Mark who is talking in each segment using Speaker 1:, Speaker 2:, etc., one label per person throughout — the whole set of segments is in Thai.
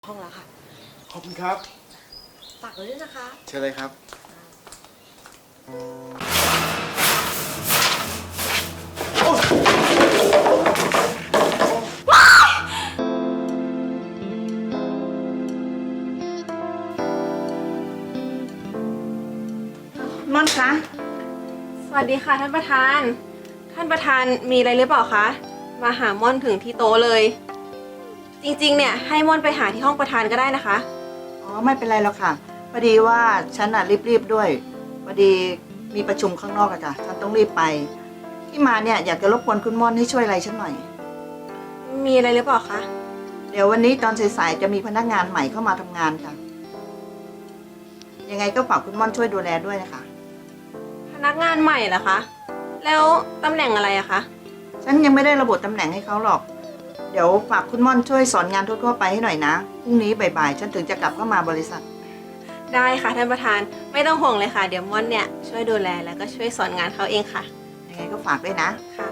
Speaker 1: ห้องแล้วค่ะ
Speaker 2: ขอบคุณครับ
Speaker 1: ฝากไว้ด้วยนะคะ
Speaker 2: เชิญเลยครับ
Speaker 3: ม่อนคะ
Speaker 4: สวัสดีค่ะท่านประธาน ท่านประธานมีอะไรหรือเปล่าคะ มาหาม่อนถึงที่โต๊ะเลย จริงๆ เนี่ยให้ม่อนไปหาที่ห้องประธานก็ได้นะคะ
Speaker 3: อ๋อไม่เป็นไรหรอกค่ะพอดีว่าฉันน่ะรีบๆด้วยพอดีมีประชุมข้างนอกอะจ้ะฉันต้องรีบไปที่มาเนี่ยอยากจะรบกวนคุณม่อนให้ช่วยอะไรฉันหน่อย
Speaker 4: มีอะไรหรือเปล่าคะ
Speaker 3: เดี๋ยววันนี้ตอนสายๆจะมีพนักงานใหม่เข้ามาทำงานค่ะยังไงก็ฝากคุณม่อนช่วยดูแลด้วยนะคะ
Speaker 4: พนักงานใหม่เหรอคะ แล้วตำแหน่งอะไรอะคะ
Speaker 3: ฉันยังไม่ได้ระบุตำแหน่งให้เขาหรอกเดี๋ยวฝากคุณม่อนช่วยสอนงานทั่วๆไปให้หน่อยนะพรุ่งนี้บ่ายๆฉันถึงจะกลับเข้ามาบริษัท
Speaker 4: ได้ค่ะท่านประธาน ไม่ต้องห่วงเลยค่ะ เดี๋ยวม่อนเนี่ยช่วยดูแลแล้วก็ช่วยสอนงานเขาเองค่ะ
Speaker 3: ยังไงก็ฝากด้วยนะ
Speaker 4: ค่ะ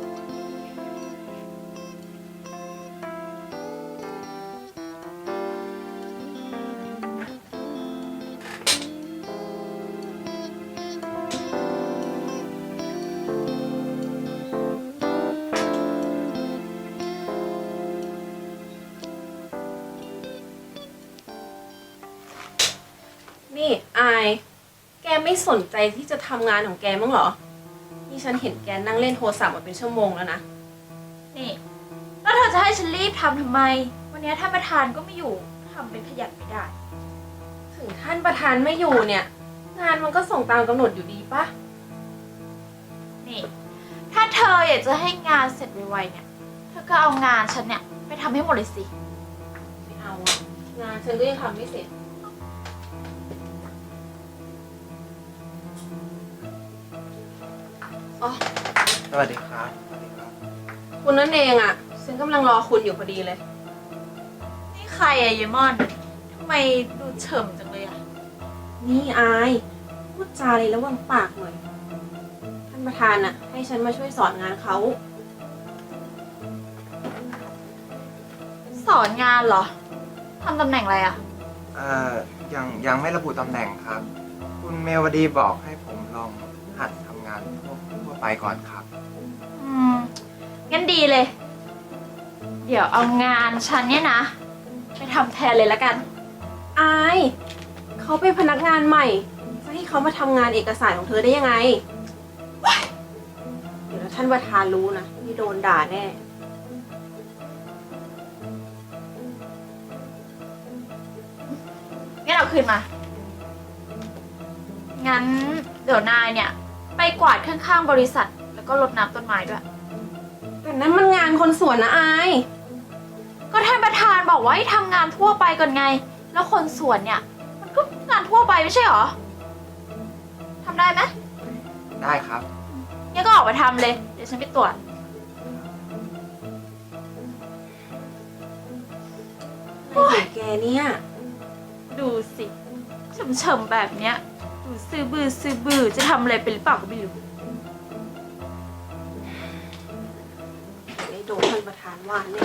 Speaker 4: นี่อาย แกไม่สนใจที่จะทำงานของแกมั้างเหรอ นี่ฉันเห็นแกนั่งเล่นโทรศัพท์มาเป็นชั่วโมงแล้วนะ
Speaker 5: นี่แล้วเธอจะให้ฉันรีบทำไม วันนี้ท่านประธานก็ไม่อยู่ทำเป็นขยันไม่ได้
Speaker 4: ถึงท่านประธานไม่อยู่เนี่ย งานมันก็ส่งตามกำหนดอยู่ดีปะ
Speaker 5: นี่ ถ้าเธออยากจะให้งานเสร็จไวๆเนี่ย เธอก็เอางานฉันเนี่ยไปทำให้หมดเลยสิ
Speaker 4: ไม่เอาอะงานฉันก็ยังทำไม่เสร็จอ๋อ
Speaker 2: สวัสดีครับสวัสดีครับ
Speaker 4: คุณนั่นเองอะฉันกำลังรอคุณอยู่พอดีเลย
Speaker 5: นี่ใครอะเยมอนทำไมดูเฉิมจังเลยอะ
Speaker 4: นี่อายพูดจาเลยระวังปากหน่อย ท่านประธานอะให้ฉันมาช่วยสอนงานเขา
Speaker 5: สอนงานเหรอทำตำแหน่งอะไรอะ
Speaker 6: ยังไม่ระบุตำแหน่งครับ คุณเมวดีบอกให้ผมลองหัดทำงานทั่วไปก่อนครับ
Speaker 5: งั้นดีเลย เดี๋ยวเอางานฉันเนี่ยนะ ไปทำแทนเลยละกัน
Speaker 4: อายเขาเป็นพนักงานใหม่จะให้เขามาทำงานเอกสารของเธอได้ยังไง เดี๋ยวท่านประธานรู้นะนี่โดนด่าแน่
Speaker 5: งั้นเอาคืนมา งั้นเดี๋ยวนายเนี่ย ไปกวาดข้างๆบริษัท แล้วก็รดน้ำต้นไม้ด้วย
Speaker 4: แต่นั้นมันงานคนสวนนะอาย
Speaker 5: ก็ท่านประธานบอกว่าให้ทำงานทั่วไปก่อนไง แล้วคนสวนเนี่ย มันก็งานทั่วไปไม่ใช่หรอทำได้ไหม
Speaker 6: ได้ครับ
Speaker 5: งั้นก็ออกไปทำเลย เดี๋ยวฉันไปตรวจ
Speaker 4: อะไรของแกเนี่ย
Speaker 5: ดูสิเฉมๆแบบเนี้ย ดูซื่อบื้อจะทำอะไรเป็นหรือเปล่าก็ไม่รู้
Speaker 4: ไม่โดนท่านประธานว่าแน่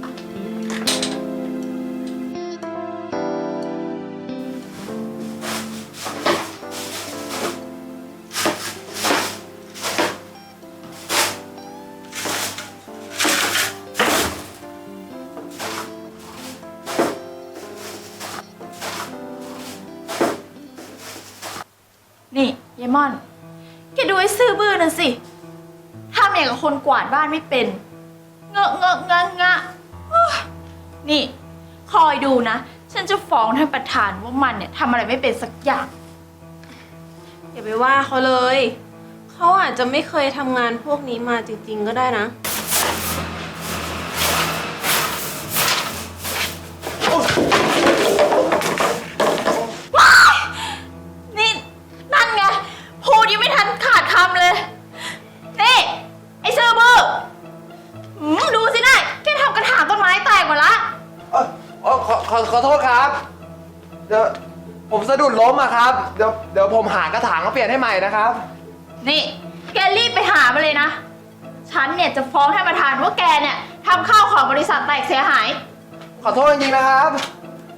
Speaker 5: นี่เยมอน แกดูไอ้ซื่อบื้อนั่นสิทำอย่างกับคนกวาดบ้านไม่เป็น เงอะเงอะงะงะโอ๊ยนี่ คอยดูนะ ฉันจะฟ้องท่านประธานว่ามันเนี่ยทำอะไรไม่เป็นสักอย่าง
Speaker 4: อย่าไปว่าเขาเลย เขาอาจจะไม่เคยทำงานพวกนี้มาจริงๆก็ได้นะ
Speaker 5: นี่นั่นไงพูดยังไม่ทันขาดคำเลย นี่ ไอ้ซื่อบื้อดูสินายแกทำกระถางต้นไม้แตกหมดละ
Speaker 6: ขอโทษครับ เดี๋ยวผมสะดุดล้มอะครับ เดี๋ยวผมหากระถางมาเปลี่ยนให้ใหม่นะครับ
Speaker 5: นี่แกรีบไปหามาเลยนะ ฉันเนี่ยจะฟ้องท่านประธานว่าแกเนี่ยทำข้าวของบริษัทแตกเสียหาย
Speaker 6: ขอโทษจริงๆนะครับ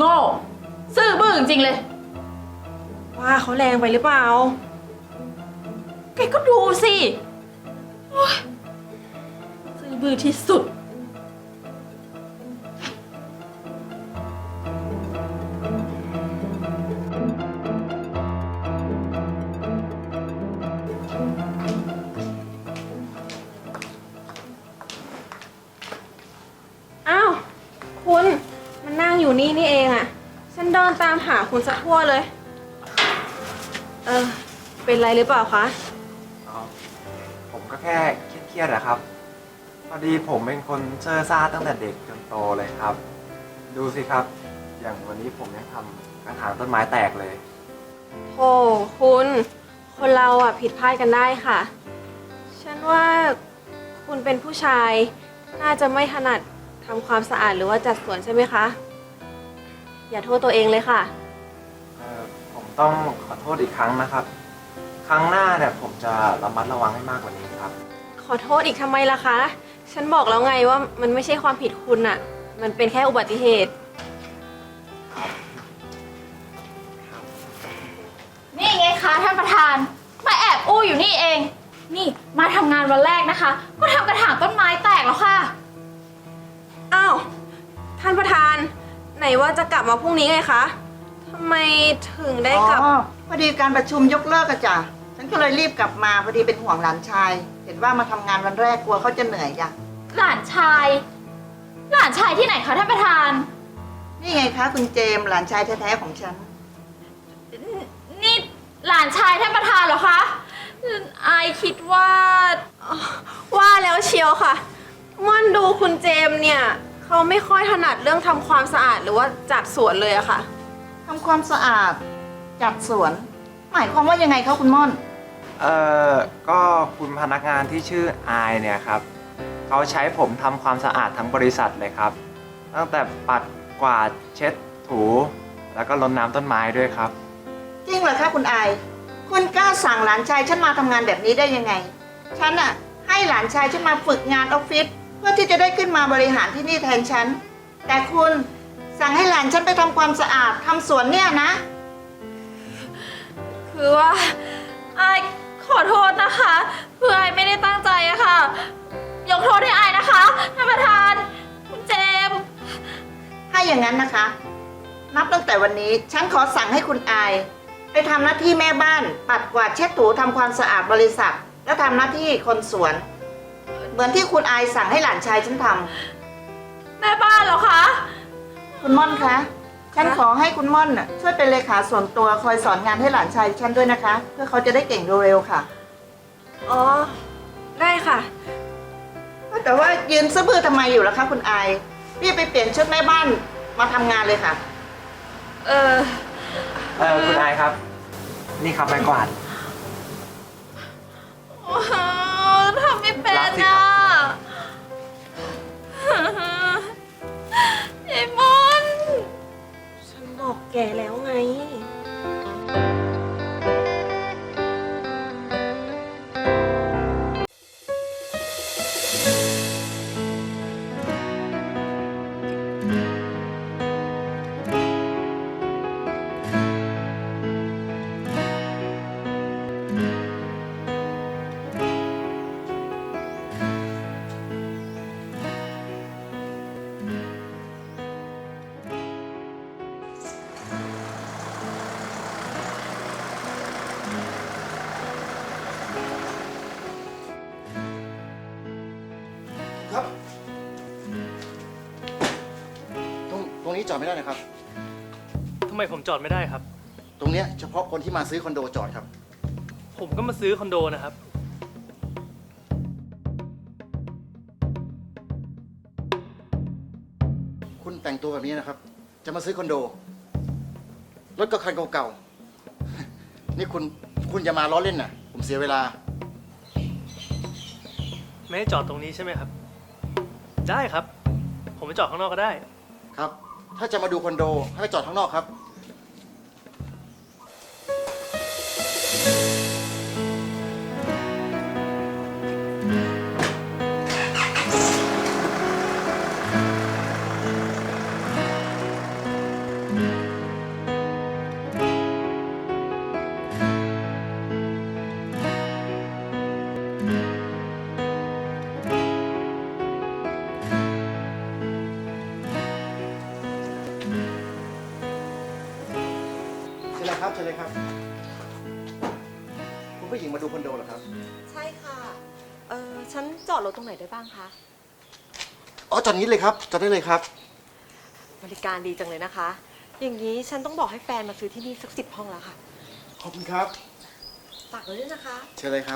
Speaker 5: โง่ ซื่อบื้อจริงๆเลย
Speaker 4: ว่าเขาแรงไปหรือเปล่า
Speaker 5: แกก็ดูสิโอ๊ยซื่อบื้อที่สุด
Speaker 4: อ้าว คุณมันนั่งอยู่นี่นี่เองอะฉันเดินตามหาคุณซะทั่วเลย เป็นไรหรือเปล่าคะ
Speaker 6: อ๋อผมก็แค่เครียดๆนะครับ พอดีผมเป็นคนเซ่อซ่าตั้งแต่เด็กจนโตเลยครับ ดูสิครับ อย่างวันนี้ผมยังทำกระถางต้นไม้แตกเลย
Speaker 4: โธ่คุณ คนเราอะผิดพลาดกันได้ค่ะ ฉันว่าคุณเป็นผู้ชาย น่าจะไม่ถนัดทำความสะอาดหรือว่าจัดสวนใช่ไหมคะ อย่าโทษตัวเองเลยค่ะ
Speaker 6: ผมต้องขอโทษอีกครั้งนะครับ ครั้งหน้าเนี่ยผมจะระมัดระวังให้มากกว่านี้ครับ
Speaker 4: ขอโทษอีกทำไมล่ะคะ ฉันบอกแล้วไงว่ามันไม่ใช่ความผิดคุณอะมันเป็นแค่อุบัติเหตุ
Speaker 5: นี่ไงคะท่านประธาน มาแอบอู้อยู่นี่เอง นี่มาทำงานวันแรกนะคะ ก็ทำกระถางต้นไม้แตกแล้วค่ะ
Speaker 4: อ้าว ท่านประธาน ไหนว่าจะกลับมาพรุ่งนี้ไงคะทำไมถึงได้กลับ
Speaker 3: อ๋อพอดีการประชุมยกเลิกอะจ้ะฉันก็เลยรีบกลับมาพอดีเป็นห่วงหลานชาย เห็นว่ามาทำงานวันแรกกลัวเขาจะเหนื่อยจ้ะ
Speaker 5: หลานชาย หลานชายที่ไหนคะท่านประธาน
Speaker 3: นี่ไงคะคุณเจมส์หลานชายแท้ๆของฉัน
Speaker 5: นี่หลานชายท่านประธานเหรอคะอายคิดว่า
Speaker 4: ว่าแล้วเชียวค่ะม่อนดูคุณเจมส์เนี่ยเขาไม่ค่อยถนัดเรื่องทำความสะอาดหรือว่าจัดสวนเลยอะค่ะ
Speaker 3: ทำความสะอาดจัดสวน หมายความว่ายังไงคะคุณม่อน
Speaker 6: ก็คุณพนักงานที่ชื่ออายเนี่ยครับเขาใช้ผมทำความสะอาดทั้งบริษัทเลยครับ ตั้งแต่ปัดกวาดเช็ดถู แล้วก็รดน้ำต้นไม้ด้วยครับ
Speaker 3: จริงเหรอคะคุณอาย คุณกล้าสั่งหลานชายฉันมาทำงานแบบนี้ได้ยังไง ฉันอะให้หลานชายฉันมาฝึกงานออฟฟิศเพื่อที่จะได้ขึ้นมาบริหารที่นี่แทนฉัน แต่คุณสั่งให้หลานฉันไปทำความสะอาดทำสวนเนี่ยนะ
Speaker 5: คือว่าอายขอโทษนะคะคืออายไม่ได้ตั้งใจอะค่ะ ยกโทษให้อายนะคะท่านประธานคุณเจมส์
Speaker 3: ถ้าอย่างนั้นนะคะ นับตั้งแต่วันนี้ฉันขอสั่งให้คุณอาย ไปทำหน้าที่แม่บ้าน ปัดกวาดเช็ดถูทำความสะอาดบริษัท และทำหน้าที่คนสวน เหมือนที่คุณอายสั่งให้หลานชายฉันทำ
Speaker 5: แม่บ้านเหรอคะ
Speaker 3: คุณม่อนคะ ฉันขอให้คุณม่อนน่ะช่วยเป็นเลขาส่วนตัวคอยสอนงานให้หลานชายฉันด้วยนะคะ เพื่อเขาจะได้เก่งเร็วๆค่ะ
Speaker 4: อ๋อ ได้ค่ะ
Speaker 3: แต่ว่ายืนซื่อบื้อทำไมอยู่ล่ะคะคุณอายรีบไปเปลี่ยนชุดแม่บ้านมาทำงานเลยค่ะ
Speaker 6: คุณอายครับ นี่ครับไม้กวาด
Speaker 5: ทำไม่เป็น
Speaker 6: รับสิครั
Speaker 5: อะ
Speaker 6: บ
Speaker 5: ไอ้มอน
Speaker 4: ฉันบอกแกแล้วไง
Speaker 2: ครับ ตรงนี้จอดไม่ได้นะครับ
Speaker 7: ทำไมผมจอดไม่ได้ครับ
Speaker 2: ตรงเนี้ยเฉพาะคนที่มาซื้อคอนโดจอดครับ
Speaker 7: ผมก็มาซื้อคอนโดนะครับ
Speaker 2: คุณแต่งตัวแบบนี้นะครับ จะมาซื้อคอนโด รถก็คันเก่าๆ นี่คุณจะมาล้อเล่นน่ะ ผมเสียเวลา
Speaker 7: ไม่ให้จอดตรงนี้ใช่ไหมครับ ได้ครับ ผมไปจอดข้างนอกก็ได้
Speaker 2: ครับ ถ้าจะมาดูคอนโดให้ไปจอดข้างนอกครับเลยครับเชิญเลยครับ คุณผู้หญิงมาดูคอนโดเหรอครับ
Speaker 1: ใช่ค่ะ ฉันจอดรถตรงไหนได้บ้างคะ
Speaker 2: อ๋อจอดนี้เลยครับจอดได้เลยครับ
Speaker 1: บริการดีจังเลยนะคะ อย่างนี้ฉันต้องบอกให้แฟนมาซื้อที่นี่สัก10 ห้องแล้วค่ะ
Speaker 2: ขอบคุณครับ
Speaker 1: ฝากไว้ด้วยนะคะ
Speaker 2: เชิญเลยครับ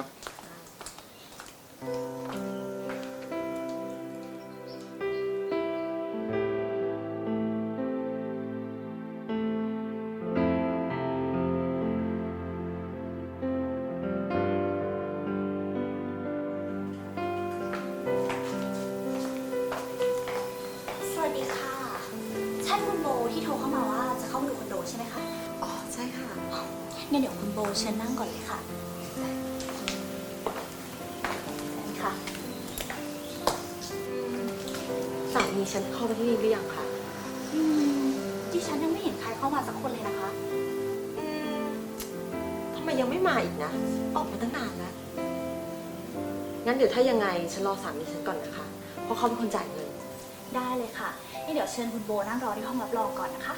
Speaker 8: สวัสดีค่ะ ใช่คุณโบที่โทรเข้ามาว่าจะเข้ามาดูคอนโดใช่ไหมคะ
Speaker 1: อ๋อ ใช่ค่ะ
Speaker 8: งั้นเดี๋ยวคุณโบเชิญนั่งก่อนเลยค่ะนี่ค่ะ
Speaker 1: สามีฉันเข้ามาที่นี่หรือยังคะ
Speaker 8: ดิฉันยังไม่เห็นใครเข้ามาสักคนเลยนะคะ
Speaker 1: ทำไมยังไม่มาอีกนะ ออกมาตั้งนานแล้ว งั้นเดี๋ยวถ้ายังไงฉันรอสามีฉันก่อนนะคะ เพราะเขาเป็นคนจ่ายเงิน
Speaker 8: ได้เลยค่ะนี่เดี๋ยวเชิญคุณโบนั่งรอที่ห้องรับรองก่อนนะคะ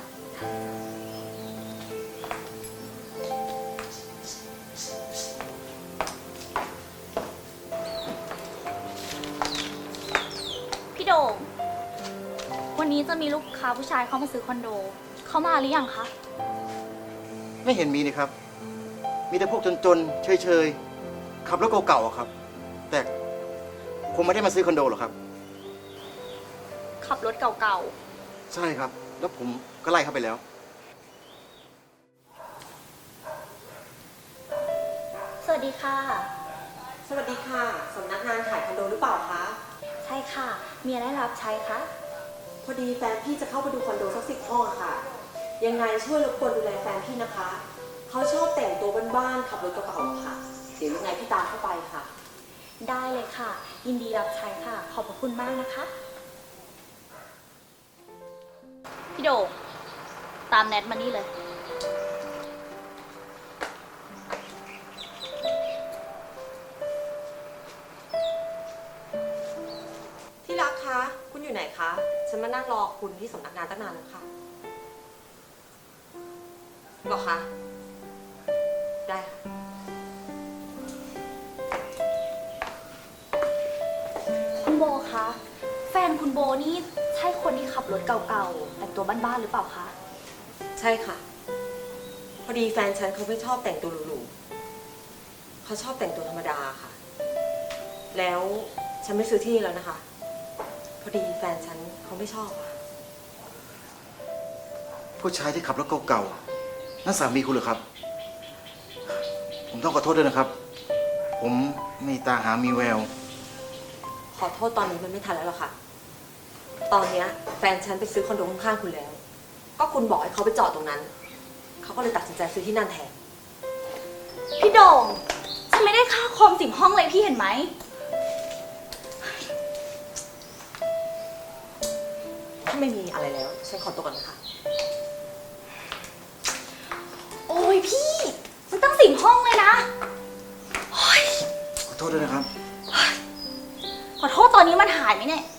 Speaker 8: พี่โด่งวันนี้จะมีลูกค้าผู้ชายเข้ามาซื้อคอนโด เขามาหรือยังคะ
Speaker 2: ไม่เห็นมีนี่ครับ มีแต่พวกจนๆ เฉยๆ ขับรถเก่าๆอะครับ แต่คงไม่ได้มาซื้อคอนโดหรอกครับ
Speaker 8: ขับรถเก่า
Speaker 2: ใช่ครับ แล้วผมก็ไล่เข้าไปแล้ว
Speaker 8: ๆ สวัสดีค่ะ
Speaker 1: สวัสดีค่ะ สำนักงานขายคอนโดหรือเปล่าคะ
Speaker 8: ใช่ค่ะ มีอะไรรับใช้คะ
Speaker 1: พอดีแฟนพี่จะเข้าไปดูคอนโดสัก10 ห้องอะค่ะ ยังไงช่วยรบกวนดูแลแฟนพี่นะคะ เขาชอบแต่งตัวบ้านๆขับรถกระเป๋าๆค่ะ เดี๋ยวยังไงพี่ตามเข้าไปค่ะ
Speaker 8: ได้เลยค่ะ ยินดีรับใช้ค่ะ ขอบพระคุณมากนะคะ พี่โดงตามแนทมานี่เลย
Speaker 1: ที่รักคะ คุณอยู่ไหนคะ ฉันมานั่งรอคุณที่สำนักงานตั้งนานแล้วค่ะหรอคะ ได้ค่ะ
Speaker 8: คุณโบคะ แฟนคุณโบนี่ใช่คนที่ขับรถเก่าๆ แต่งตัวบ้านๆหรือเปล่าคะ
Speaker 1: ใช่ค่ะ พอดีแฟนฉันเขาไม่ชอบแต่งตัวหรูๆเขาชอบแต่งตัวธรรมดาค่ะ แล้วฉันไม่ซื้อที่นี่แล้วนะคะ พอดีแฟนฉันเขาไม่ชอบอะ
Speaker 2: ผู้ชายที่ขับรถเก่าๆ นั่นสามีคุณเหรอครับ ผมต้องขอโทษด้วยนะครับ ผมมีตาหามีแวว
Speaker 1: ขอโทษตอนนี้มันไม่ทันแล้วหรอกค่ะ ตอนเนี้ยแฟนฉันไปซื้อคอนโดข้างๆคุณแล้ว ก็คุณบอกให้เขาไปจอดตรงนั้น เขาก็เลยตัดสินใจซื้อที่นั่นแทน
Speaker 8: พี่โดงฉันไม่ได้ค่าคอม10 ห้องเลยพี่เห็นไหม
Speaker 1: ถ้าไม่มีอะไรแล้ว ฉันขอตัวก่อนนะคะ
Speaker 8: โอ้ยพี่ มันตั้ง10 ห้องเลยนะโอ้ย
Speaker 2: ขอโทษด้วยนะครับ
Speaker 8: ขอโทษตอนนี้มันหายไหมเนี่ย